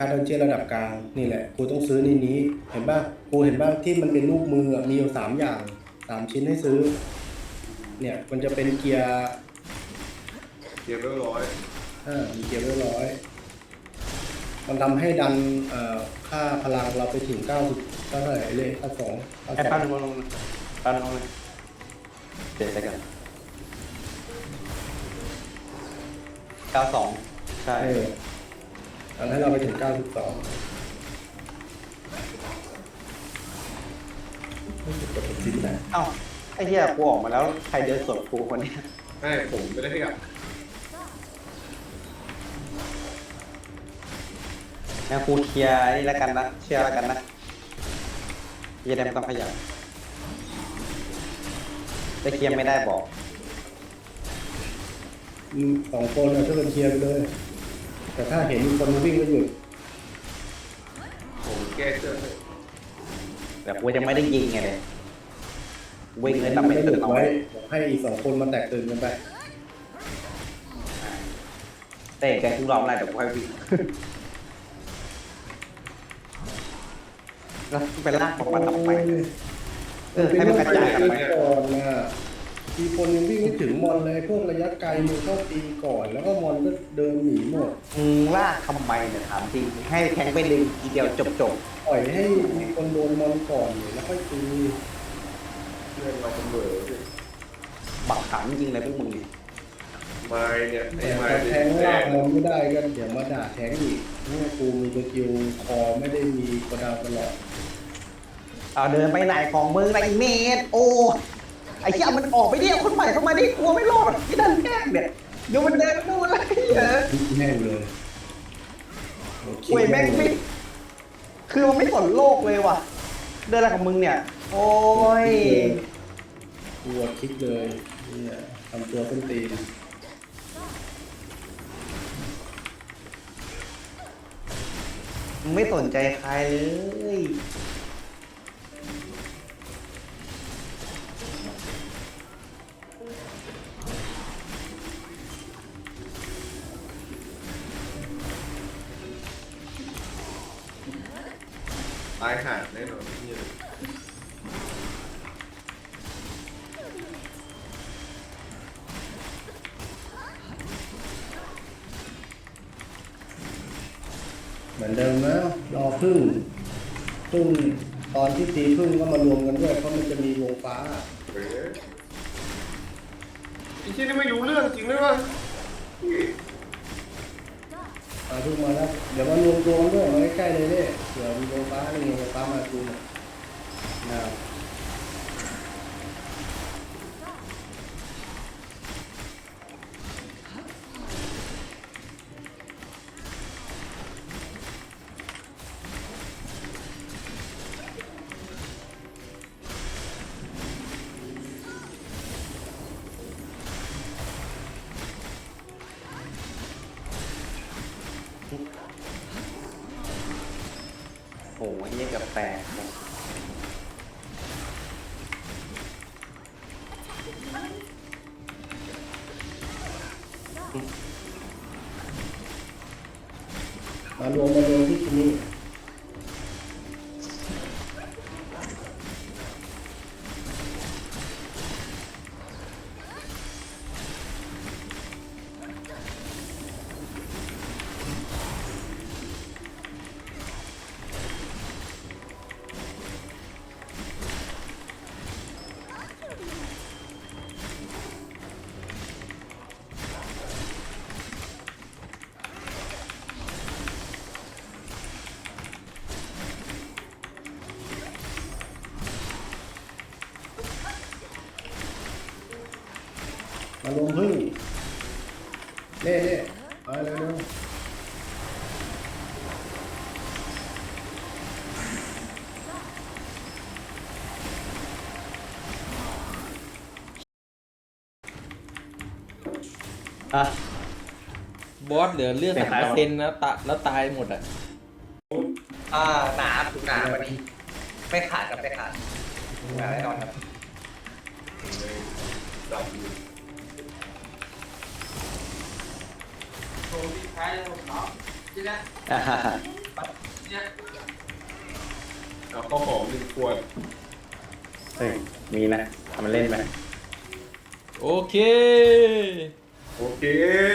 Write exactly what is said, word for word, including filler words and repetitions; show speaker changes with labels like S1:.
S1: าร์ดดันเจียนระดับกลางนี่แหละกูต้องซื้อนี่นี้เห็นป่ะกูเห็นป่ะที่มันเป็นรูปมือมีอยู่สามอย่างสามชิ้นให้ซื้อเนี่ยมันจะเป็นเกียร์
S2: เกียร์เรียบร้อย
S1: อ่ามีเกียร์เรียบร้อยมันทำให้ดันเอ่อค่าพลังเราไปถึงเก้าสิบเท่าไหร่เลยค่าสอง
S3: ไอ้ปั้นลงลงปั้นลงเลยเจ็ดได้กันเก้าสองใช่
S1: ทำให้เราไปถึงเก้าสิบสองไม่ถูกกดชิ้นนะ
S3: เอ้าไอ้เหี้ยกูออกมาแล้วใครเดินสวนกูคนนี้
S2: ไม่ผมไม่ได้ขยับ
S3: งั้นกูเคลียร์นี่แล้วกันนะเชื่อแล้วกันนะเหี้ยได้ไม่ต้องขยับจะเคลียร์ไม่ได้บอก
S1: สองคนเราช่วยกันเคลียร์ไปเลยแต่ถ้าเห็นมีคนวิ่งก็หยุด
S2: ผมแก้เชือก
S3: แต่กูยังไม่ได้ยิงไงเลยวิ่งเลยแต่ไม่ตื่นเอา
S1: ไว้ให้อีกสองคนมาแตกตื่นกันไป
S3: เตะแกทุกรอบอะไรเดี๋ยวกูให้วิ่งแล้วไปลากของมันต่อไปเออให้มันกระจายกันไป
S1: ก่อนนะทีคนยังวิ่งไม่ถึงมอนเลยพวกระยะไกลมึงเข้าตีก่อนแล้วก็มอนก็เดินหนีหมด
S3: มึงลากทำไมเนี่ยถามจริงให้แทงไปดึงทีเดียวจบจบ
S1: ปล่อยให้มีคนโดนมอนก่อนแล้วค่อยตี
S2: เรื่องเราเป็นเบอร์
S3: บักขังจริงเลยพวกมึงเนี่ย
S2: ไม้เนี่ยไอ้ไม้
S1: แทงลากมอนไม่ได้ก็เดี๋ยวมาด่าแทงอีกนี่กูมีสกิลคอไม่ได้มีกระดาษตลอด
S3: เอาเดินไปไหนของมึงไรเมดโอ้ไอ้เหี้ยมันออกไปเดียวคนใหม่เข้ามาดิกลัวไม่รอดที่ดันแก้เนี่ยเดี๋ยวมันเดินดูอะไรเยอะ
S1: แม่งเลย
S3: โอ้ยแม่งไม่คือมันไม่สนโลกเลยว่ะเดินอะไรของมึงเนี่ยโอ้ย
S1: กลัวคิดเลยเนี่ยทำตัวเป็นตีน
S3: ไม่สนใจใครเลย
S2: ตายห่าแน่นอนที่
S1: เหมือนเดิมนะรอพึ่งพึ่งตอนที่ตีพึ่งก็มารวมกันด้วยเพราะมันจะมีวงฟ้า
S2: เฮ้ยไอ้ที่นี่ไม่รู้เรื่องจริงไหมวะ
S1: มาพึ่งมาแล้วเดี๋ยวมารวมตัวกันด้วยมาใกล้ๆเลยเนี่ยเดี๋ยวมีวงฟ้านี่ไงวงฟ้ามาดูนะ
S3: โอ้ยนี่กับแตก
S1: มารวมมารวมที่ที่นี่มารวมพึ่งเล่เล่มาเร็ว
S3: อ่ะ
S4: บอสเหลือเลือดสามเปอร์เซ็นต์นะตะแล้วตายหมดอ่ะ
S3: อ่าหนาถูกหนาวันนี้ไม่ขาดกับไม่ขาดแน่นอนครับ
S2: ดับ
S3: โชว์ที่ท้ายแล้วผมเนาะจีน่าไป
S2: เอาข้าวหอมหนึ่งขวด
S3: เฮ้ยมีนะทำมันเล่นไหม
S4: โอเค
S2: โอเค